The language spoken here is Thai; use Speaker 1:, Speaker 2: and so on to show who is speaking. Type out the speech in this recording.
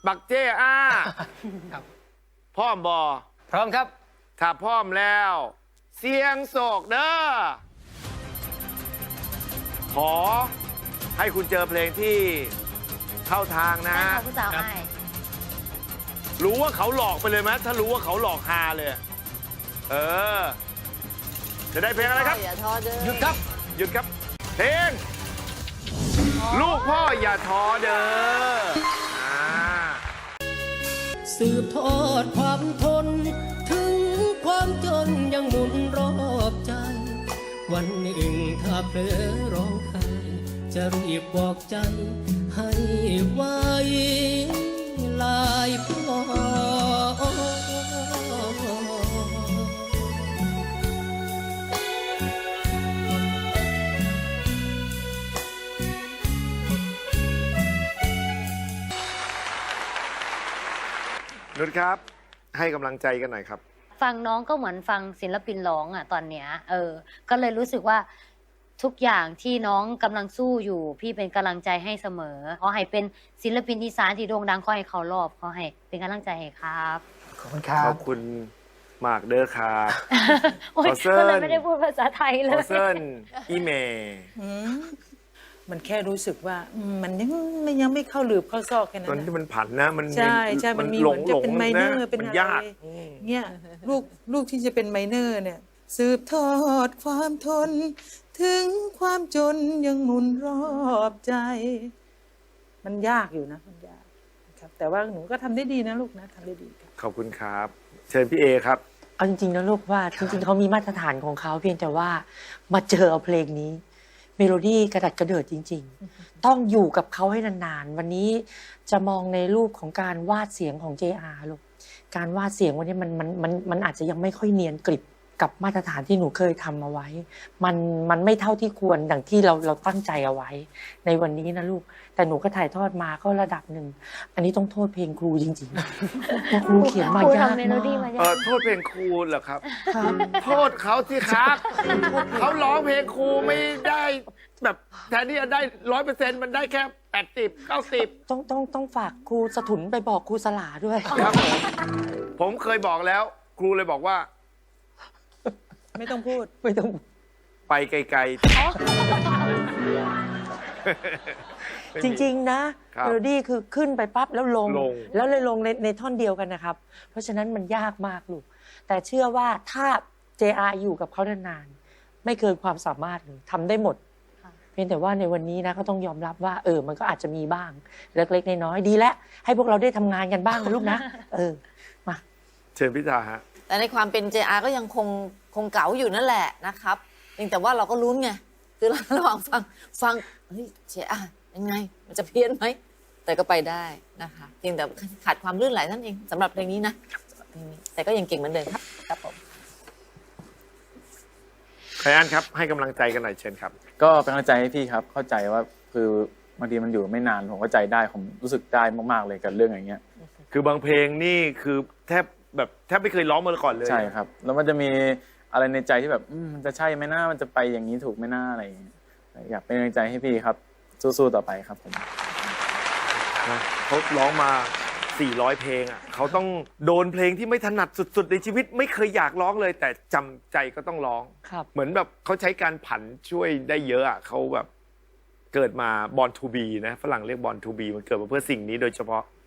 Speaker 1: บักเจ้อา
Speaker 2: ครับ
Speaker 1: พร้อมบอ
Speaker 2: พร้อมครับ
Speaker 1: ถ้าพร้อมแล้ว เสียงโศกเด้อขอให้คุณเจอเพลงที่เข้าทางนะ
Speaker 3: นั่นเขาผู้สาวไอ้
Speaker 1: รู้ว่าเขาหลอกไปเลยไหมถ้ารู้ว่าเขาหลอกฮาเลย เออ จะได้เพลงอะไรครับ
Speaker 3: อย่าท้อเด้อ
Speaker 2: หยุดครับ
Speaker 1: หยุดครับ เพลง ลูกพ่ออย่าท้อเด้ออ่า
Speaker 4: สืบทอดความทน ถึงความจนยังหมุนรอบใจ วันหนึ่งถ้าเผลอร้องไห้จะรีบบอกใจ ให้ไว้ลายพอ
Speaker 1: นุชครับ ให้กำลังใจกันหน่อยครับ
Speaker 3: ฟังน้องก็เหมือนฟังศิลปินร้องอ่ะตอนเนี้ยก็เลยรู้สึกว่าทุกอย่างที่น้องกำลังสู้อยู่ พี่เป็นกำลังใจให้เสมอขอให้เป็นศิลปินอีสานที่โด่งดังขอให้เขารอบขอให้เป็นกำลังใจให้ครับ
Speaker 2: ขอบคุณครั
Speaker 1: ข
Speaker 2: บ
Speaker 1: อบคุณมากเด้อครับ
Speaker 3: โอ๊ย
Speaker 1: ขอเซิร์น
Speaker 3: ก็เลยไม่ได้พูดภาษาไทยเล
Speaker 1: ขอย เซิร์นอีเม
Speaker 5: มันแค่รู้สึกว่ามันยังไม่เข้าหลืบเข้าซอกแค่นั้
Speaker 1: ตอน
Speaker 5: น
Speaker 1: ที่
Speaker 5: นะ
Speaker 1: มันผันนะมัน
Speaker 5: ใช่มันมี
Speaker 1: หล
Speaker 5: เหมื
Speaker 1: ง
Speaker 5: อนจะเป็นไมเนอร์
Speaker 1: นะ
Speaker 5: เป็น
Speaker 1: มัน
Speaker 5: อะไร
Speaker 1: ยาก
Speaker 5: เนี่ยลูกที่จะเป็นไมเนอร์เนี่ย สืบทอดความทน ถึงความจนยังหมุนรอบใจ มันยากอยู่นะมันยากนะครับแต่ว่าหนูก็ทำได้ดีนะลูกนะทำได้ดีครับ
Speaker 1: ขอบคุณครับ เชิญพี่เอครับ
Speaker 6: เอาจริงๆนะลูกว่าจริงๆเขามีมาตรฐานของเขาเพียงแต่ว่ามาเจอเอาเพลงนี้ เมโลดี้กระดัดกระเดิดจริง ๆ ต้องอยู่กับเขาให้นานๆวันนี้จะมองในรูปของการวาดเสียงของ JR ลูกการวาดเสียงวันนี้มันอาจจะยังไม่ค่อยเนียนกริบกับมาตรฐานที่หนูเคยทำเอาไว้ มันไม่เท่าที่ควรดังที่เราตั้งใจเอาไว้ ในวันนี้นะลูกแต่หนูก็ถ่ายทอดมาก็ระดับหนึ่งอันนี้ต้องโทษเพลงครูจริงๆเพราะครูเขียนมา
Speaker 3: ครู
Speaker 6: ยาก
Speaker 3: ทำเมโล
Speaker 6: มาก
Speaker 3: ดี้มายาก
Speaker 1: โทษเพลงครูเหรอครับ โทษเขาสิครับ เขาร้องเพลงครูไม่ได้แบบแทนที่จะได้100%มันได้แค่80 90
Speaker 6: ต้องฝากครูสถุนไปบอกครูสลาด้วย
Speaker 1: ครับผมเคยบอกแล้ว ครูเลยบอกว่า
Speaker 5: ไม่ต้องพูด
Speaker 6: ไม่ต้อง
Speaker 1: ไปไกลๆ
Speaker 6: จริงๆนะครับ เมโลดี้คือขึ้นไปปั๊บแล้วลง แล้วเลยลงในท่อนเดียวกันนะครับ เพราะฉะนั้นมันยากมากลูกแต่เชื่อว่าถ้า JR อยู่กับเขานานๆไม่เกินความสามารถเลยทำได้หมด เพียงแต่ว่าในวันนี้นะก็ต้องยอมรับว่ามันก็อาจจะมีบ้างเล็กๆน้อยๆดีแล้วให้พวกเราได้ทำงานกันบ้างนะลูกนะมา
Speaker 1: เชิญพิธาฮะ
Speaker 7: แต่ในความเป็น JR ก็ยังคงเก๋าอยู่นั่นแหละนะครับเพียงแต่ว่าเราก็ลุ้นไงคือระหว่างฟังเฮ้ย JR ยังไงมันจะเพี้ยนไหมแต่ก็ไปได้นะคะเพียงแต่ขาดความลื่นไหลนั่นเองสำหรับเพลงนี้นะสำหรับเพลงนี้แต่ก็ยังเก่งเหมือนเดิมครับครับผม
Speaker 1: ใครอันครับ ให้กำลังใจกันหน่อยเชิญครับ
Speaker 8: ก็เป็นกำลังใจให้พี่ครับเข้าใจว่าคือบางทีมันอยู่ไม่นานผมเข้าใจได้ผมรู้สึกได้มากๆเลยกับเรื่องอย่างเงี้ย
Speaker 1: คือบางเพลงนี่คือแทบไม่เคยร้องมาก่อนเลย
Speaker 8: ใช่ครับแล้วมันจะมีอะไรในใจที่แบบมันจะใช่ไหมนะมันจะไปอย่างนี้ถูกไหมนะอะไรอย่างเงี้ยอยากเป็นกำลังใจให้พี่ครับสู้ๆต่อไปครับผม
Speaker 1: เขาร้องมา400 เพลงอ่ะเขาต้องโดนเพลงที่ไม่ถนัดสุดๆในชีวิตไม่เคยอยากร้องเลย แต่จำใจก็ต้องร้อง
Speaker 6: ครับ
Speaker 1: เหมือนแบบเขาใช้การผันช่วยได้เยอะอ่ะเขาแบบเกิดมา born to be นะฝรั่งเรียก born to be มันเกิดมาเพื่อสิ่งนี้โดยเฉพาะ